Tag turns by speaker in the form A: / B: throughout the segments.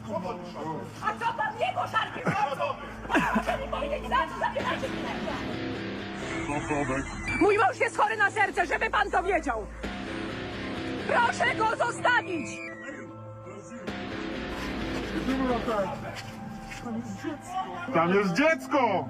A: A co pan jego szarpie? Proszę mi powiedzieć, za co zabieracie pieniądze? Mój mąż jest chory na serce, żeby pan to wiedział. Proszę go zostawić!
B: Tam jest dziecko!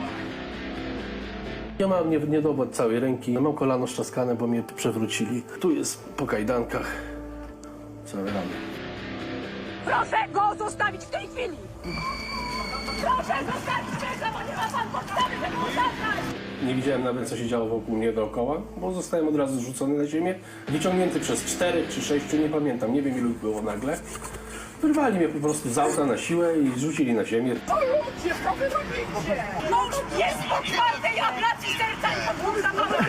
C: Ja mam niedobór całej ręki, mam kolano szczaskane, bo mnie przewrócili. Tu jest po kajdankach całe rany.
A: Proszę go zostawić w tej chwili! Proszę zostawić męża, bo nie ma pan podstawy, żeby go zabrać!
C: Nie widziałem nawet, co się działo wokół mnie dookoła, bo zostałem od razu zrzucony na ziemię, wyciągnięty przez 4 czy 6, nie pamiętam, nie wiem ilu ich było nagle. Wyrwali mnie po prostu z auta na siłę i zrzucili na ziemię.
A: To ludzie, co wy robicie? Mąż jest po czwartej ablacji serca i podwórza mamy!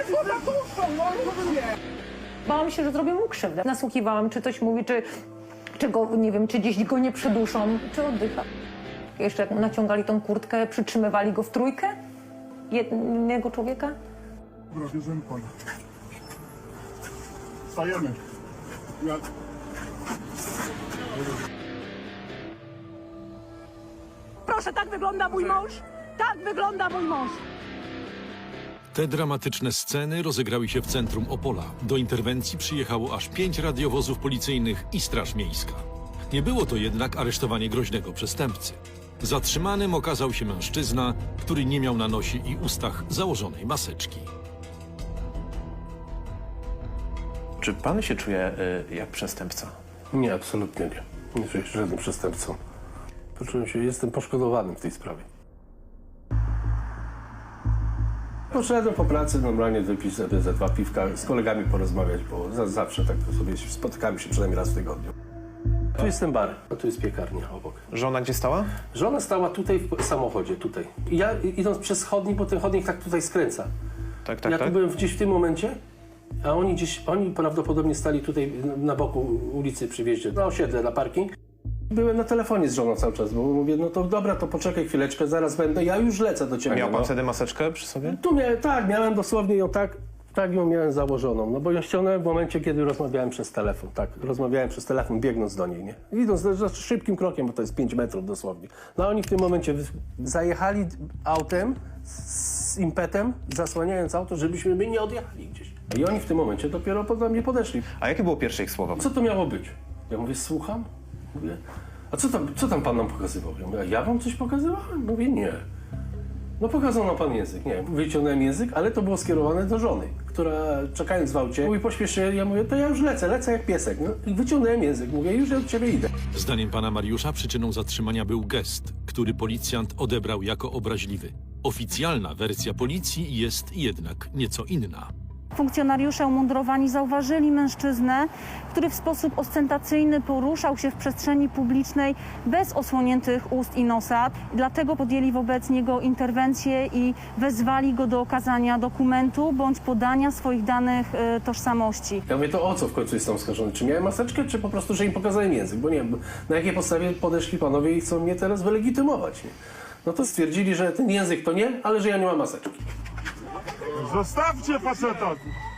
D: Bałam się, że zrobią mu krzywdę. Nasłuchiwałam, czy coś mówi, czy go, nie wiem, czy gdzieś go nie przyduszą, czy oddycha. Jeszcze jak naciągali tą kurtkę, przytrzymywali go w trójkę jednego człowieka.
B: Dobra, bierzemy pana. Stajemy.
A: Proszę, tak wygląda mój mąż! Tak wygląda mój mąż!
E: Te dramatyczne sceny rozegrały się w centrum Opola. Do interwencji przyjechało aż 5 radiowozów policyjnych i Straż Miejska. Nie było to jednak aresztowanie groźnego przestępcy. Zatrzymanym okazał się mężczyzna, który nie miał na nosie i ustach założonej maseczki.
F: Czy pan się czuje jak przestępca?
C: Nie, absolutnie nie. Nie czuję się żadnym przestępcą. Poczułem się, jestem poszkodowanym w tej sprawie. Poszedłem po pracy normalnie wypić sobie ze 2 piwka, z kolegami porozmawiać, bo zawsze tak sobie spotykamy się przynajmniej raz w tygodniu. Tu jest ten bar, a tu jest piekarnia obok.
F: Żona gdzie stała?
C: Żona stała tutaj w samochodzie, tutaj. I ja idąc przez chodnik, bo ten chodnik tak tutaj skręca.
F: Tak.
C: Ja tu byłem gdzieś w tym momencie, a oni prawdopodobnie stali tutaj na boku ulicy przy wjeździe, na osiedle, na parking. Byłem na telefonie z żoną cały czas, bo mówię, no to dobra, to poczekaj chwileczkę, zaraz będę, ja już lecę do ciebie.
F: Miał pan wtedy maseczkę przy sobie?
C: Tu miałem dosłownie ją tak ją miałem założoną, no bo ją ściągnąłem w momencie, kiedy rozmawiałem przez telefon, tak, rozmawiałem przez telefon biegnąc do niej, nie? Idąc szybkim krokiem, bo to jest 5 metrów dosłownie. No a oni w tym momencie zajechali autem z impetem, zasłaniając auto, żebyśmy my nie odjechali gdzieś. I oni w tym momencie dopiero do mnie podeszli.
F: A jakie było pierwsze ich słowa?
C: Co to miało być? Ja mówię, słucham? Mówię, a co tam pan nam pokazywał? Ja mówię, a ja wam coś pokazywałem? Mówię, nie. No pokazał nam pan język, nie. Wyciągnąłem język, ale to było skierowane do żony, która czekając w aucie, mówi, pośpiesz się, ja mówię, to ja już lecę jak piesek. No i wyciągnąłem język, mówię, już ja do ciebie idę.
E: Zdaniem pana Mariusza przyczyną zatrzymania był gest, który policjant odebrał jako obraźliwy. Oficjalna wersja policji jest jednak nieco inna.
G: Funkcjonariusze umundurowani zauważyli mężczyznę, który w sposób ostentacyjny poruszał się w przestrzeni publicznej bez osłoniętych ust i nosa. Dlatego podjęli wobec niego interwencję i wezwali go do okazania dokumentu bądź podania swoich danych tożsamości.
C: Ja mówię, to o co w końcu jest oskarżony? Czy miałem maseczkę, czy po prostu, że im pokazałem język? Bo nie wiem, na jakiej podstawie podeszli panowie i chcą mnie teraz wylegitymować, nie? No to stwierdzili, że ten język to nie, ale że ja nie mam maseczki.
B: Zostawcie faceta!